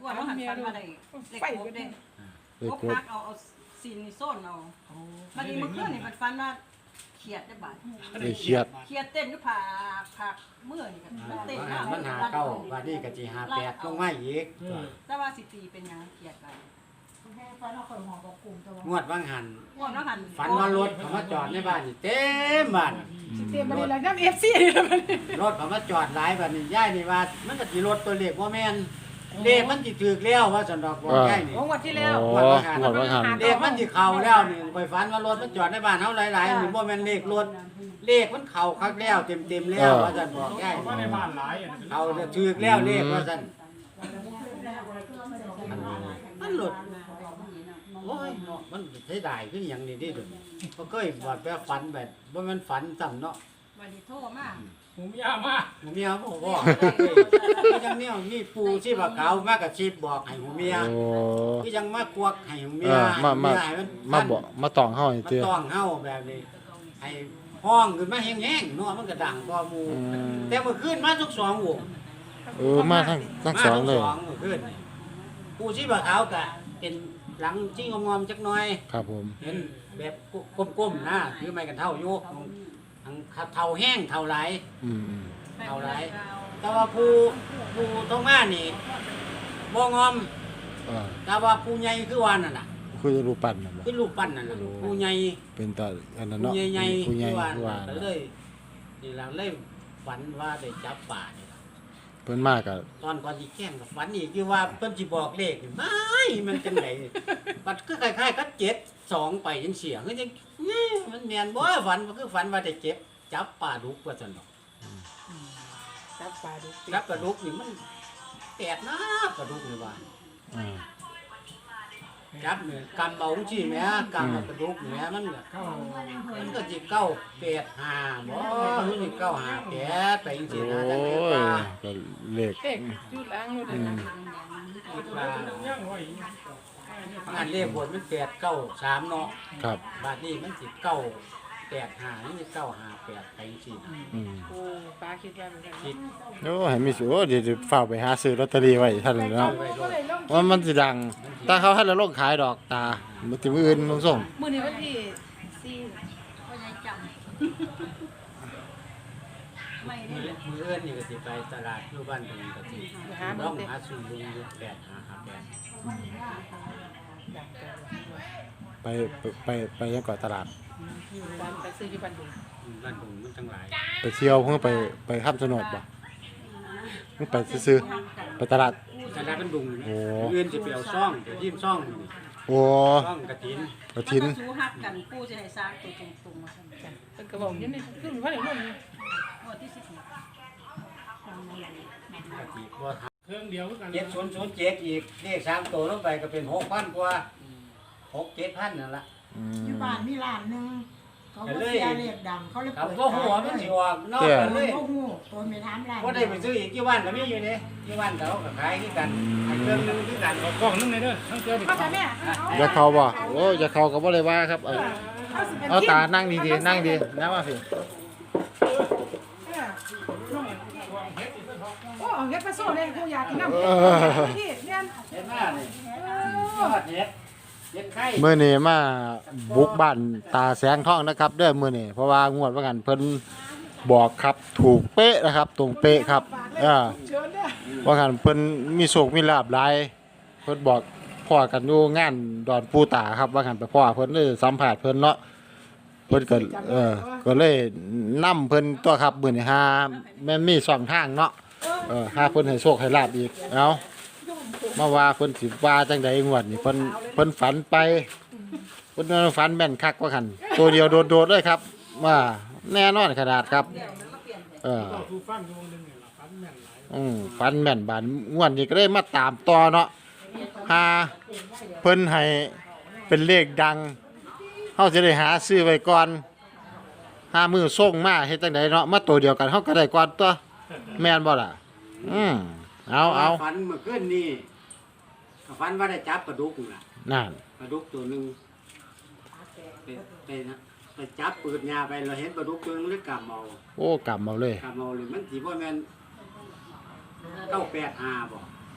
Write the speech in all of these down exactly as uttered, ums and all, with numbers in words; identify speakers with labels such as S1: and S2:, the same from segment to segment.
S1: ว่าเราหันฟันมาได้เล็กโคกเด้โคกพักเอาเอาซีนนี่โซนเอาบัดนี้เมื่อคืนนี่มันฟันว่าเขียดได้บาด
S2: ได้เครียด
S1: เขียดเต้นอยู่ผาผักเมื่อนี่กันมันเต้น
S3: หามันหาเก้าบาดนี้ก็สิหาแปดลงมาอีก
S1: แต่ว่าสิตีเป็นหยังเขียดไป
S3: งวดว่างหัน
S1: ว่าเราหัน
S3: ฝันว่ารถเขามาจอดในบ้านนี่เต็มบ้าน
S4: สิเตรียมมาได้แล้วน้ำเอฟซี
S3: รถเขามาจอดหลายบ้านนี่ย่ายนี่ว่ามันก็สิรถตัวเล็กบ่แม่นเลขมันสิถูกแล้วว่าสันดอกบอกย่ายนี่
S4: ของวันที่แล้ว
S2: โอ้หมดว่าหัน
S3: เลขมันสิเข้าแล้วนี่ไปฝันว่ารถมันจอดในบ้านเฮาหลายๆนี่บ่แม่นเลขรถเลขมันเข้าคักแล้วเต็มๆแล้วว่าสันบอกย่าย
S5: ว่าในบ้านหลาย
S3: เขาจะถูกแล้วเลขว่าสันมันหลุดโอ้ยเนาะมันเสียดายคือหยังนี่ดิเด้อบ่เคยว่าแบบฝันแบบบ่แม่นฝันซ้ำเนาะ
S1: วันนี้โทรมา
S5: หูยามาก
S3: หูเมียบอกว่าคือจังเนี่ยมีปูชีพขาวมากกับชีพบอกให้หูเมีย
S2: โอ้
S3: คือจังมาควักให้หูเมี
S2: เอย อมามา
S3: ให้มัน
S2: มาบอกมาตองเฮาให้
S3: มา
S2: เตื้อ
S3: ต้องเฮาแบบนี้ให้ห้องขึ้นมาแห้งๆเนาะมันก็ดังกว่าหมู่
S2: อืม
S3: แต่เมื่อคืนมาทุกสองวง
S2: เออมาทั้งทั้งสองเลย
S3: มาทุกสองเมื่อคืนนี่ปูชีพขาวก็เป็นหลังจี้งอมๆจักหน่อย
S2: ครับผม
S3: เห็นแบบก้มๆนะคือไม่กันเท่าอยู่ทางเท่าแห้งเท่าไหล
S2: อืมอืม
S3: เอาไร แต่ว่าผู้ผู้ท้องมานี่บ่งอม
S2: เออ
S3: แต่ว่าผู้ใหญ่คือว่านั่นน่ะ
S2: คือรูปปั้นน่ะบ่
S3: คือรูปปั้นนั่นน่ะผู้ใหญ่
S2: เป็นตาอันนั้น
S3: ผู้
S2: เนาะ
S3: ใหญ่ๆ
S2: ผู้ใหญ่
S3: คือว่า
S2: คือว่า
S3: ก็เลยนี่ล่ะเลยฝันว่าได้จับป่านี่ล่ะ
S2: เพิ่นมากก็
S3: ตอนก่อนสิแข่งกับฝันอีกคือว่าเพิ่นสิบอกเลขนี่ไม่มันจังไดบัดคือคล้ายๆกับเจ็ดสองไปจังเสียคือจังเอ้ยมันแม่นบ่ฝันมันคือฝันว่าได้เจ็บจับป่าดุกว่าซั่นเนาะ
S4: จับปลาดุก
S3: จับกระดุกนี่มันแปดนะกระดุกนี่ว่า
S2: อ่า
S3: จับเนี่ยกำเบาจี้แม่กำเอากระดูกแม่มันก็
S5: เข้า
S3: มันก็สิเก้าแปดห้าบ่หรือสิเก้าห้าแปดไปจังซี่
S2: โอ้
S3: นะจังได๋
S2: ย
S3: ว่า
S2: ก็เลข
S4: เด็กจุดล้างรถนะ
S3: คิดว่า
S5: ย่างไว้
S3: งานเลขบนมันแปดเก้าสามเนาะ
S2: ครับ
S3: บาดนี้มันสิเก้าแปดห้าหรือสิเก้าห้าแปดไปจังซี่นะ
S2: อืม
S4: โอ้ป้าคิดว่าเหมือนกัน
S3: คิด
S2: โอ้ให้มีสิโอ้เดี๋ยวจะฝากไปหาซื้อลอตเตอรี่ไว้ท่านเลยเนาะว่ามันสิดังถ้าเขาให้เราลงขายดอกตามื้อที่มื้ออื่นลงส่ง
S4: มื้อนี้วันที่สี่
S1: ก็ยังจำไม่ได้
S3: มื้อมื้ออื่นนี่ก็สิไปตลาดอยู่บ้านตรงนี้ก็สิลองหาซื้อลุงอยู่แปดห้าห้าแปด
S2: ไปไปไปไปยังเกาะตลาด
S4: วันไปซื้อที่บ้านดุง
S3: บ้านตรงมันทั้งหลาย
S2: ไปเที่ยวเพิ่งไปไปข้ามถนนบ่เพิ่งไปซื้อๆไปตลาด
S3: ตลาดมันดุง
S2: โอ้
S3: มื้ออื่นสิไปเอาซ่องไปยิ้มซ่องนี่
S2: โอ้
S3: ซ่องกระถิน
S2: กระถิน
S1: มันก็สู้ฮักกันปู่จะให้สร้างตัวตรงๆมาซั่น
S4: จ้ะเพิ่นก็บอกอยู่นี่คือว่าได้ลง
S1: งวดที่สิบหก
S3: กระถินบ่
S5: เครื่องเดียวกัน
S3: เจ็ดศูนย์ศูนย์เจ็ดอีกเลขสามตัวลงไปก็เป็นหกพันกว่าหกเจ็ดพันนั่นละ
S2: อืม
S6: อยู่บ้านมีร้านหนึงเขาก็เสียเรียกดังเขาเลย
S3: ครับ
S6: เปิด
S3: ก็หัวมันสิออกนอก
S2: เจ้
S3: กันเลย
S6: โอ้โหตัวไม่ถามร้าน
S3: ว่าได้ไปซื้ออีกกี่วันก็มีอยู่นี่กี่วันเขาก็ขายที่กันอันเครื่องนึงที่กัน
S5: เอากล้องนึงเลยเด้อทั้งเจอดิ
S4: เข้าใจแม่
S2: อย่าเข้าบ่โอ้อย่าเข้าก็บ่เลยว่าครับเอา
S4: เอาสิเป็น
S2: เอาตานั่งดีๆนั่งดีนะว่าสิ
S4: โอ้เอาเฮ็ดไปโซ่เลยกูอยากกินน้ำที่เนี่ย
S3: เห็นหน้านี่ยอดเห็ดเห็ดไข่
S2: มื้อนี้มาบุกบ้านตาแสงทองนะครับเด้อมื้อนี้เพราะว่างวดว่ากันเพิ่นบอกครับถูกเป๊ะนะครับ ตรงเป๊ะครับเออ
S4: เชิญเด้อ
S2: ว่ากันเพิ่นมีโชคมีลาภหลายเพิ่นบอกพ่อกันอยู่งานดอนปูตาครับว่ากันไปพ่อเพิ่นเลยสัมภาษณ์เพิ่นเนาะเพิ่นก็เออก็เลยนำเพิ่นตัวครับมื้อนี้หาแม่นมีสองทางเนาะเออหาเพิ่นให้โชคให้ลาภอีกเอามาว่าเพิ่นสิว่าจังไดงวดนี้เพิ่นเพิ่นฝันไปเพิ่นฝันแม่นคักว่าคั่นตัวเดียวโดดๆเลยครับว่าแน่นอนขนาดครับเออ
S5: ก็คือฟังอยู่วงนึงนี่ล่ะฟันแม่นหลาย
S2: อืมฟันแม่นบานงวดนี้ก็ได้มาตามต่อเนาะหาเพิ่นให้เป็นเลขดังเฮาจะได้หาซื้อไว้ก่อนหามือส่งมาเฮ็ดจังไดเนาะมาตัวเดียวกันเฮาก็ได้ก่อนตัวแม่นบ่ล่ะอืมเอาเอา
S3: ฝันเมื่อคืนนี่ฝันว่าได้จับกระดูกน่ะ
S2: นั่น
S3: กระดูกตัวหนึงไปไปนะไปจับปืนยาไปเราเห็นกระดูกตัวหนึงเลยกำเอา
S2: โอ้กำเอาเลย
S3: กำเอาเลยมันสิบ่แม่นเก้าแปดห้าบ่
S2: โ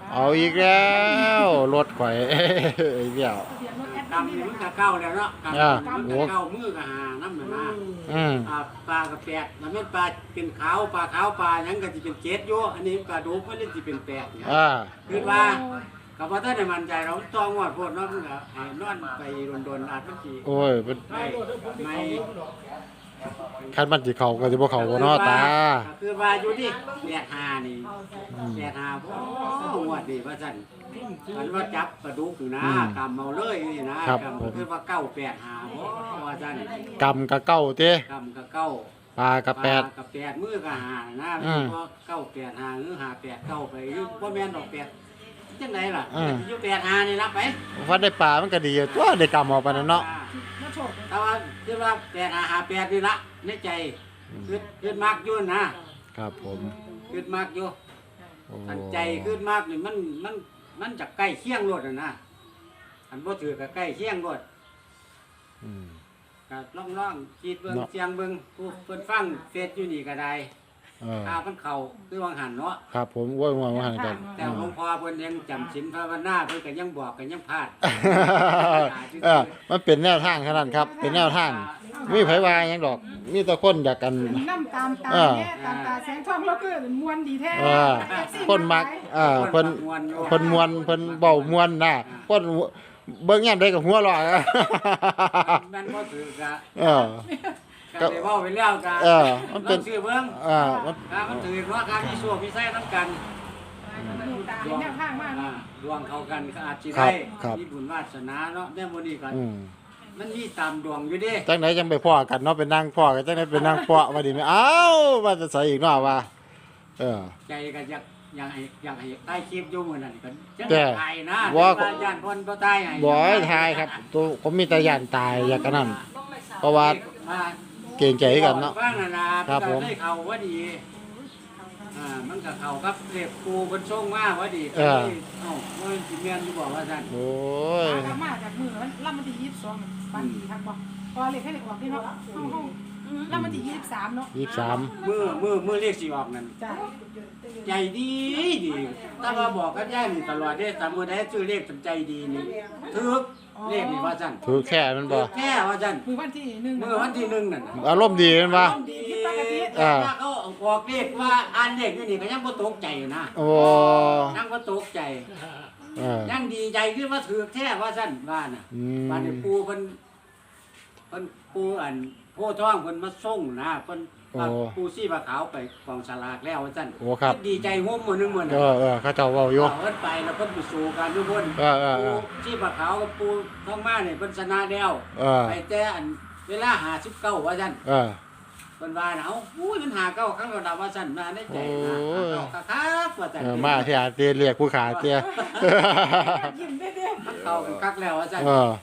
S2: เอาอีกแล้วรถข่อย อีกแล้ว
S4: ทะเบียนรถแอด
S3: กำ
S4: นี่
S3: นี่
S4: แห
S3: มัน
S4: ละ
S3: ก็เก้าแล้วเนาะกำ
S2: อ่า
S3: มันก็เก้ามือก็หาน้ำหนึ่งนะ
S2: อืม
S3: อ่าปลากระแปดแล้วแม่นปลาเป็นขาวปลาขาวปลาหยังก็สิเป็นเจ็ดอยู่อันนี้ปลาดุกมันเลยสิเป็นแปดเนี่ย
S2: อ่า
S3: คือว่ากับว่าถ้าได้มั่นใจเราต้องงวดโพดเนาะมันก็ให้นอนไปโดนๆอาจมันสิ
S2: โอ้ยเป็น
S3: ไม่ไม่
S2: คันมันสิเข้าก็สิบ่เข้าบ่เนาะตา
S3: คือว่าอยู่ที่แปดหานี่แปดหาบ่งวดนี่ว่าซั่นมันว่าจับปลาดุกอยู่นะกำเอาเลยนี่นะครับ กำ
S2: ผม
S3: คือว่าเก้าแปดหาบ่ว่าซั่น
S2: กำกับเก้าเต้
S3: กำกับเก้า
S2: ปลากับแปด
S3: ปลากับแปดมือกับหานะ
S2: อืม
S3: เพราะเก้าแปดหาหรือหาแปดเก้าไปอยู่บ่แม่นดอกแปดจังไดล่ะ
S2: อืม
S3: อยู่แปดหานี่รับไป
S2: ฟันได้ปลามันก็ดีอยู่ตัวได้กำเอาไปนั่นเนาะ
S4: มาโชค
S3: แต่ว่าคือว่าแปดหาหาแปดนี่ละในใจคือคือมากอยู่นะครับ
S2: ผม
S3: คือมากอยู่
S2: โอ้
S3: อันใจคือมากนี่มันมันมันจะใกล้เคียงรถน่ะนะอันบ่ถือก็ใกล้เคียงรถ
S2: อืม
S3: ก็ล่องๆคิดเบิ่ง
S2: เนาะ
S3: เสียงเบิ่งผู้เพิ่นฟังเฟซอยู่นี่ก็ได้
S2: เออ
S3: ถ้ามันเข้าคือวางหันเนาะ
S2: ครับผมโอ้ยว่าว่าหันกัน
S3: แต่หลวงพ่อเพิ่นยังจำศีลภาวนาเพิ่นก็ยังบอกก็ยังพลาด
S2: เออมันเป็นแนวทางขนาดนั้นครับ เป็นแนวทางมีไผว่าหยังดอก มีแต่คนอยากกัน
S4: น้ำตามตา
S2: เออ
S4: แน่ตามตาแสงทองแล้วก็มวนดีแท้
S2: เออคนมักเออเพิ่นเพิ่นมวนเพิ่นเว้ามวนน่ะคนเบิ่งยามใดก็หัวเราะ
S3: แม่นบ่ถือกะ
S2: เออ
S3: ก็ได้เว้าไปแล้วกะ
S2: เออมันเป็น
S3: ลองชื่อเบิ่ง
S2: เออมัน
S3: ถ้ามันถือว่าการมีส่วนมีไส้นํกัน
S4: ดูตาเห็นแนวทางมาก
S3: อ่าดวงเข้ากันก็อาจสิ
S2: ครั
S3: ได้
S2: บครับ
S3: มีบุญวาสนาเนาะแม่มื้อนี้ก็
S2: อืม
S3: มันมีตามดวงอยู่เด้
S2: จังไหนจังไปพ่อกันเนาะเป็นนางพ่อกันจังไหนเป็นนางพ่อว่าดีไหมเอ้าว่าจะใส่อีกเนาะว่า เออ
S3: ใจก็อยากอยากให้อยากให้ใต้คลิปอยู่มื้อนั้นก็จัง
S2: แต่
S3: ได๋นะ
S2: ว่า
S3: แต่ย่านเพิ่นบ่ตายให้
S2: บ่ให้ทายครับตัวผมมีแต่ย่านตายอยากกันนั่นเพราะว่า
S3: มา
S2: เกรงใจกันเนาะ
S3: บ้างนะนะครับ
S2: ผม
S3: ได้เข้าว่าดีอ่ามันก็เข้ากับเรียกครูเพิ่นส่งมาว่าดี
S2: เออ
S3: เอ้าบ่สิแม่นอยู่บอกว่าซั่น
S2: โอ้ย
S4: ตามาจากมือล่ำมันที่ยี่สิบสองปันดีครับบอกพอเลยให้เด็กออกที่เนาะล่ำมันที่ยี่สิบสามเนาะ
S2: ยี่สิบสาม
S3: มือมือมือเรียกสิออกนั่น
S4: จ้า
S3: ใจดีดีถ้าว่าบอกกับย่านี่ตลอดเด้แต่มื้อใดชื่อเลขสนใจดีนี่ถึกเลขนี่ว่าซั่น
S2: ถือแค่มันบ่
S3: แค่ว่าซั่น
S4: มือวันที่หนึ่ง
S3: มื้อวันที่หนึ่งนั่นน่ะ
S2: อารมณ์ดีมันบ่
S4: ดีผิดปกติ
S2: อ่า
S3: ถ้าเขาออกเลขว่าอ่านเลขอยู่นี่ก็ยังบ่ตกใจอยู่นะ
S2: โอ้
S3: ยังบ่ตกใจ
S2: เออ
S3: ยังดีใจคือว่าถือแท้ว่าซั่นว่าน่ะ
S2: อืม
S3: บ้านนี้ปูเพิ่นเพิ่นปูอันโพธิ์ทองเพิ่นมาส่งนะเพิ่นเอาปูซี่ปลาขาวไปกองสลากแล้วว่าซั่น
S2: โอ้ครับ
S3: ดีใจห่มมื้อนึงมื้อ
S2: เอ
S3: น่ะ
S2: อเออเขาเจ้าเว้าอยู่
S3: เอาเพิ่นไปแล้วเพิ่นไปสู่กันทุกคน
S2: เออเออเออ
S3: ปูซี่ปลาขาวกับปูทองมาเนี่ยเพิ่นชนะแล้ว
S2: เออ
S3: ไปแต่อันเวลาห้าสิบเก้าว่าซั่น
S2: เออ
S3: เพิ่นว่าน่ะเอ้าอุ้ยมันหาเก้าครั้งระดับว่าซั่นมาได้ใจนะ
S2: โอ้ย
S3: หาเก้าคักๆว่าซั่น
S2: เออมาที่อาเตียเรียกผู้ขาเตีย
S4: ยิ้มได้เด้
S3: มันเข้ากันคักแล้วว่าซั่น
S2: เออน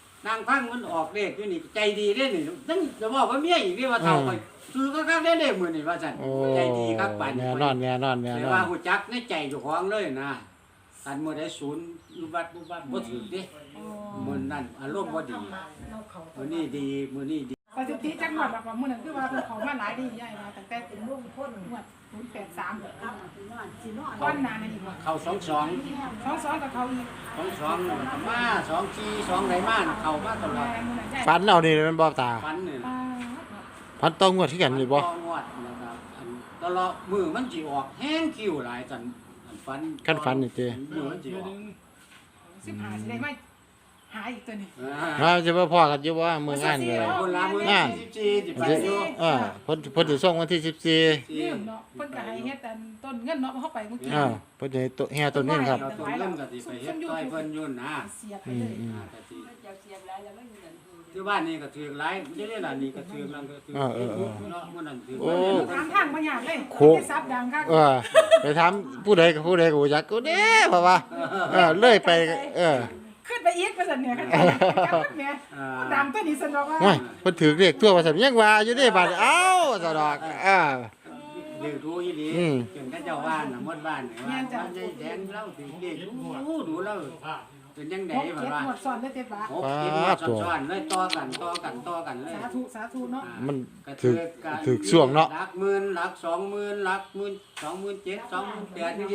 S3: างพังมันออกเลขอยู่นี่ใจดีเด้นี่นั่นจะบอกว่าเมียอีกนี่ว่าเท่าไปซื้อก็คักได้เลขมื้อนี่ว่าซั่น
S2: โอ้
S3: ใจดีคักปาน
S2: แน่นอนแน่นอนแน่
S3: แต่
S2: นอ
S3: ว่าน ฮู้จักในใจเจ้าของเลยนะอันมื้อใดศูนย์อยู่วัดบ่วัดบ่ถึกเด้มื้อนั้นอารมณ์บ่ดีมื้อนี้ดีมื้อนี้ดี
S4: สถิติจังหวัดแบบว่ามื้อนั้นคือว่าเพิ่นเขามาหลายดีใหญ่มาตั้งแต่เป็นรุ่งพ้นงวดศูนย์แปดสามก้อนหนาในอีกว่า
S3: เข้าสองสอง
S4: สองสองกับเขาอีก
S3: สองสองแล้วก็มาสองสี่สองไหนมาน่ะเข้ามาตลอด
S4: มื้อนั้นใหญ่
S2: ฝันเอานี่มันบ่ตา
S3: ฟันนี่
S4: ปา
S2: ฝันต้องงวดที่กันนี่บ่
S3: ต่องวดนะครับอันตลอดมือมันสิออกแห้งคิวหลายจันอันฟัน
S2: คันฝันนี่เจ้
S3: มือมันสิออก
S4: สิบห้าสิได้ไหมหาอีกตัวนี้
S2: มาจะบ่พอกันอยู่ว่ามืองานเลย
S3: คนละมือ
S2: อ่า
S3: สี่สิบสี่สิบแปดอยู่
S2: เออเพิ่นเพิ่นสิส่งวันที่สิบสี่
S4: ลืมเนาะเพิ่นก็ให้เฮ็ดอันต้นเงินเนาะเข้าไปเมื่อกี้
S2: เออเพิ่นสิให้ตัวแห่ต้นนี้ครับ
S3: เราตัวเริ่มก็สิไปเฮ็ดต้อยเพิ่นยุ่นนะ
S4: เสียไป
S2: อื
S4: เล
S2: ม
S4: ย
S2: อืม
S3: อ่าก็สิที่บ้านนี่ก็ถือหลายเดี๋ยวนี้ล่ะนี่ก็ถือนั่นก็ถือ
S2: เออเออเออ
S3: เนาะมื้อนั้นถือ
S2: โอ้
S4: ทางทางบ่ยากเลย
S2: โค
S4: ได้ซับดังคัก
S2: เออไปถามผู้ใดก็ผู้ใดก็บ่จักกูเด้เพราะว่าเออเลยไปเออ
S4: ขึ้นไปอีกว่าซั่นเนี่ยคันจับแม่ดังตัวนี้สนอกว่า
S2: โอ้ยเพิ่นถือเลขทั่วว่าซั่นยังว่าอยู่เด้บาดเอ้าซะดอกอ่า
S3: ดื้อรู้อีหลี
S2: อืม
S3: จนเขาเจ้าว่าน่ะหมดบ้านนี่ว่าบ้านใหญ่แดงเล่าถึงเด็กดูดูเล่าเป็นจังได๋
S4: หก
S3: แบบ
S4: เจ็ด
S3: ว่า
S4: หมดซ้อนเลยเต็มปาก
S3: โอ้กินหมดซ้อนๆเลยต่อกันต่อกันต่อกันเลย
S4: สาธุสาธุเนาะ
S2: มันถือถือช่วงเนาะ
S3: หลักหมื่นหลักสองหมื่นหลักหมื่นสองหมื่นเจ็ดสองหมื่นแปดนี่สิละ
S2: อ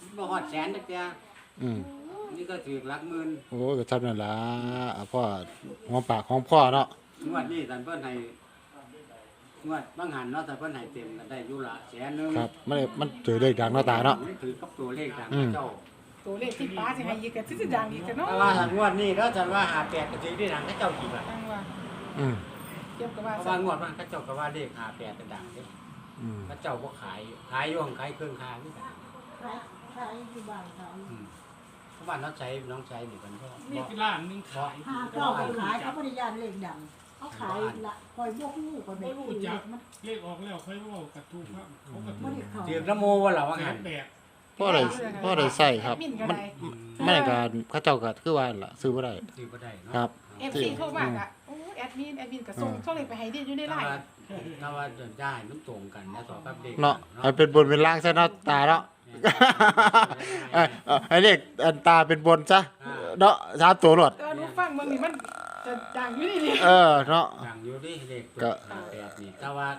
S3: บ่ฮอดแสนจักเที่ย
S2: อืม
S3: นี่ก็ถือหลักหมื่น
S2: โอ้ก็ทำนั่นล่ะอ่ะพ่อหอมปากหอมคอเนาะ
S3: งวดนี้ท่านเพิ่นให้งวดบางหันเนาะท่านเพิ่นให้เต็มก็ได้อยู่ละแสนหนึง
S2: ครับมันมันถือเลขดังเนาะตาเนาะ
S3: มันถือกับตัวเลขดัง
S2: อืม
S3: เจ้า
S4: ตัวเลขที่ป้าสิให้อีกก็สิดังอีกกันเนาะ
S3: แต่ว่าถ้างวดนี้แล้วท่านว่าหาแปดก็ถือได้ดังให้เจ้ากี่ล่ะ
S4: จังว่า
S2: อืม
S4: เทียบกับว่า
S3: เพราะว่างวดมันเขาเจ้าก็ว่าเลขหาแปดก็ดังเด้
S2: อืม
S3: เขาเจ้าบ่ขายขายอยู่ของขายเครื่องคาคือกัน
S6: ขายขายอยู่บ้านขาย
S3: อืมเพราะว่าน้องใช้น้องใช้นี่เพิ่นก็
S5: มี
S3: บ่
S5: ร้านหนึงขาย
S6: หาเจ้าไปขายเขาบริยานเลขดังเขาขายละคอยบวกหูคน
S5: ไม่
S6: ไม่
S5: รู้
S6: รู้
S5: จั
S6: จั
S5: ก
S6: กมัน
S5: เลขออกแล้วค่อยเว่ากระทู้ครับเขากระ
S6: ไม่
S5: ทู้
S6: ได้เขา
S3: ถือกระโมว่าล่ะว่า
S5: แส
S3: งั้
S5: น
S3: น
S5: แปด
S2: พ่อได้พ่อได้ใส่ครับ
S4: มินก็
S2: มัน
S4: ได้
S2: ไม่ได้การเขาเจ้าก็คือว่าล่ะซื้อบ่ได้
S3: ถือบ่ได้เนาะ
S2: ครับ
S4: เอฟซีโทรมาอ่ะโอ้แอดมินแอดมินก็ส่งส่งเลขไปให้ดิอยู่ในไล
S3: ถ้า
S4: น์
S3: ว่าถ้าว่าเดินได้มันตรงกันนะต่อกับเลข
S2: เนาะให้เป็นบนเป็นล่างซะเนาะตาเนาะ เอ้ยเอาให้เลขอันตาเป็นบนซะเนาะสามตัวรวด
S4: แต่ว่าหนูฟังเบิ่งนี่มันจะดังอยู่นี่นี่
S2: เออเนาะ
S3: อย่างอยู่ดิเลข
S2: ก็
S3: ตัวแปดนี่แต่ว่า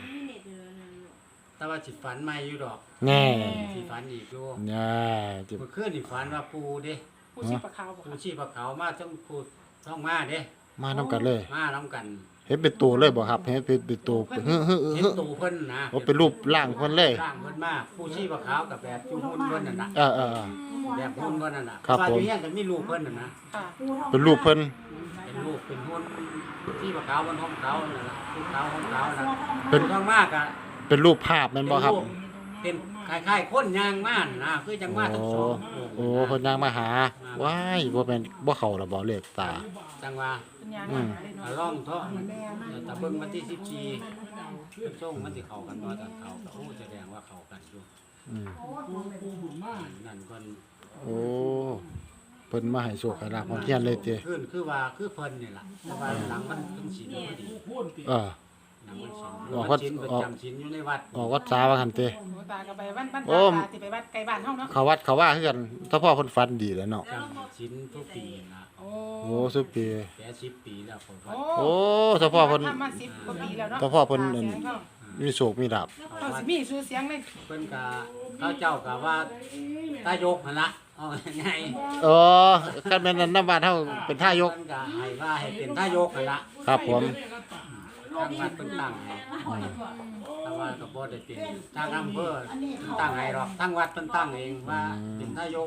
S3: แต่ว่าสิฝันใหม่อยู่ดอก
S2: แน่
S3: สิฝันอีกอยู่
S2: แน่จิ
S3: เมื่อคืนนี่ฝันว่าปูเด้
S4: ผู้ชีพขาวบอก
S3: ปูชีพเขามาต้องปูต้องมาเด้
S2: มานํกันเลย
S3: มานํกัน
S2: เห็นเป็นตัวเลยบ่ครับเห็นเป็นเป็นตัวฮึฮึ
S3: เห็น
S2: ฮึ
S3: ตูเพิ่นนะ
S2: ว่าเป็นรูปร่างเพิ่นเลย
S3: ร่างเพิ่นมาปูชีพเขากับแบบจูหุ่นเพิ่นนั่นน่ะ
S2: เออเออเออ
S3: แบบหุ่นเพิ่นนั่นน่ะ
S2: ครับ
S3: ว่า
S2: ผม
S3: อยู่ยังก็มีรูปเพิ่นน่ะนะ
S4: ค่ะ
S2: เป็นรูปเพิ่น
S3: เป็นรูปเป็นหุ่นที่ปขาวบนห้องเขานั่นน่ะภูเขาห้องเขาน่ะ
S2: เป็น
S3: ข้างมากอ่ะ
S2: เป็นรูปภาพแม่นบ่ครับ
S3: เป็นคล้ายๆคนยางม่านนะคือจังมาทั้งสอง
S2: โอ้เพิ่นย่างมาหาว้ายบ่แม่นบ่เข้าละบ่เลขตา
S3: จังว่า
S4: เป็นยัง
S2: อื
S4: ไง
S2: ม
S3: อ่าล่องเถาะแต่เบิ่งวันที่สิบสี่ช่วงมันสิเข้ากันบ่ตอนเข้าก็โอ้แสดงว่าเข้ากันอยู่
S2: อืม
S5: ปูปูบุญมาก
S3: นั่นเพิ่น
S2: โอ้เพิ่นมาให้โชคให้ลาภของเฮียนเลยติ
S3: ขึ้นคือว่าคือเพิ่นนี่ล่ะแต่ว่าหลังมันเพิ่นศีลพอดี
S5: ปูพูนติ
S2: เออ
S3: หลังมันศีล
S2: ออกวั
S3: วั
S2: ด
S3: ดศีลประ
S2: ออก
S3: จำศีลอยู่ในวัด
S2: ออกวัดสาว่าหั่นติ
S4: หนูตาก็ไปบ้านบ้าน
S2: โอ้
S4: ตาสิไปบ้านไกลบ้านเฮาเนาะ
S2: เขาวัดเขาว่าคือกันถ้าพ่อเพิ่นฝันดีแหล้วเนาะ
S3: จำศีลทุกปีนะ
S4: โอ้
S2: โอ้สุดปี
S3: แก่สิบปีแล้วผมว่า
S2: โอ้ถ้าพ่อเพิ่น
S4: ทำมาสิบกว่าปีแล้วเนาะ
S2: แต่พ่อเพิ่น
S4: ตาเสียงเขา
S2: มีโชคมีลาภ
S4: เขาสิมีชื่อเสียงเลย
S3: เพิ่นก็เขาเจ้าก็ว่าตายกหั่นล่ะเอาไง
S2: เออคันแม่นอันนำบ้านเฮาเป็นท่ายก
S3: เพิ่นก็ให้ว่าให้เป็นทายกหั่นล่ะ
S2: ครับผม
S3: ทางวัดเพิ่นตั้งให้แต่ว่าก็บ่ได้เป็นทางอำเภอตั้งให้หรอกทางวัดเพิ่นตั้งเองว่าเป็นทายก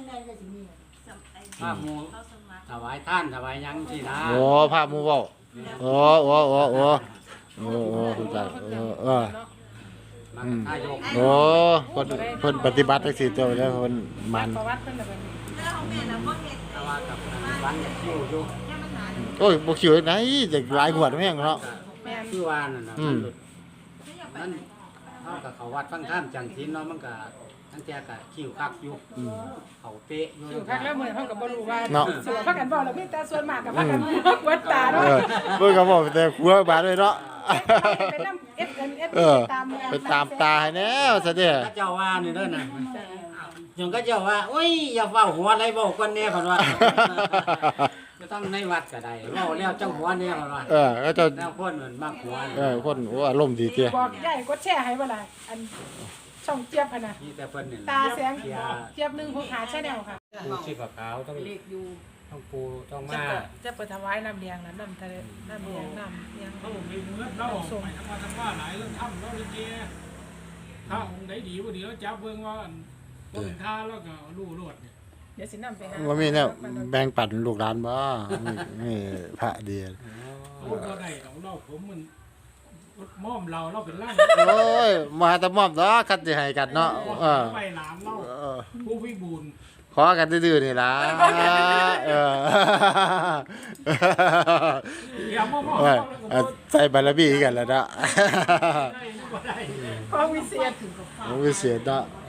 S3: มาหมู่ถวายท่านถวายหยังสินะ
S2: โอ้ภาพหมู่เว้าโอ้โอ้โอ้โอ้โอ้โอ้รู้จักเออเออ
S3: มาเป็นทายก
S2: โอ้เพิ่นเพิ่นปฏิบัติจังซี่ตัวแล้วเพิ่นมัน
S4: ประวัติเพิ่นน่ะเป็น
S3: แต่ว่ากับวันก็คิวอยู่
S2: โอ้ยบ่คิวไหนจะหลายงวดแม่งเนาะ
S4: แม่น
S3: คือว่านั่นน่ะ
S2: อื
S3: มัน
S2: ม
S3: หลุดมันเฮาก็เข้าวัดฟังธรรมจังศีลเนาะมันก็ทั้งแต่ก็คิวคักอยู่เขาเป๊ะอยู่
S4: อยู่พักแล้วมื้อเฮาก็บ่รู้ว่า
S2: เนาะ
S4: สิว่าพักกันบ่แล้วมีแต่ส่วนมากก็พักกันวัดตา
S2: เอ
S4: เนาะ
S2: อเพิ่นก็บอกแต่หัวบาดเลยเนาะ
S4: ไปนำเอฟเอ็นเอฟ
S2: เออ
S4: ตาม
S2: ไปตามตาให้แน่ซะเด้อ
S3: พระเจ้าว่านี่เด้อน่ะยังก็เจ้าว่าโอ้ยอย่าเฝ้าหัวอะไรเว้ากันแน่เพิ่นว่าก็ต้องในวัดก็ได้เว้าแล้วจังหัวแน่เพิ่นว่า
S2: เออก็จะ
S3: แล้วคนมันมักหัว
S2: เออคนโอ้อารมณ์ดีเตี้ย
S4: บอกยายกดแชร์ให้บ่ล่ะอันช่องเจี๊ยบหั่นน่ะ
S3: นี่แต่เพิ่นนี่
S4: ตาแสง
S3: เสีย
S4: เจี๊ยบหนึงหกหาแชนแนลค่ะ
S3: ปูชีพขาวต้อง
S1: เลขอยู่
S3: ต้องปูต้อง
S4: จะ
S3: มา
S4: เปิดจะเปิดถวายน้ำเลี้ยงน่ะน้ำทะเลน้ำเลี้ยงน้ำเลี้ยง
S5: เขาบอกมีเงินเราออกไปทำมาทำว่าหลายเรื่องทำเราเลยเจ้ถ้าองค์ไหนดีว่าดีแล้วจับเบิ่งว่าอันว่าเป็นท่าแล้วก็รู้รวดเนี่ย
S4: เดี๋ยวสินำไปหา
S2: ว่ามีแนวแบ่งปันลูกหลานบ่นี่นี่พระดี
S5: เขาก็ได้ของเราผมมันม่อมเราเราเป็นร่าง
S2: โอ้ยมาแตะมอบเนาะคัดสิให้กันเนาะเออ
S5: ไปหลามเรา
S2: เออ
S5: ผู้วิบูลย์
S2: ขอกันดื้อๆนี่ล่ะเออ
S5: อย่าม่อม
S2: เออเออใส่บารมีกันแล้วเนาะ
S5: ได้ก็ได้
S4: ของวิเศษ
S2: โอ้วิเศษเนาะ
S4: เ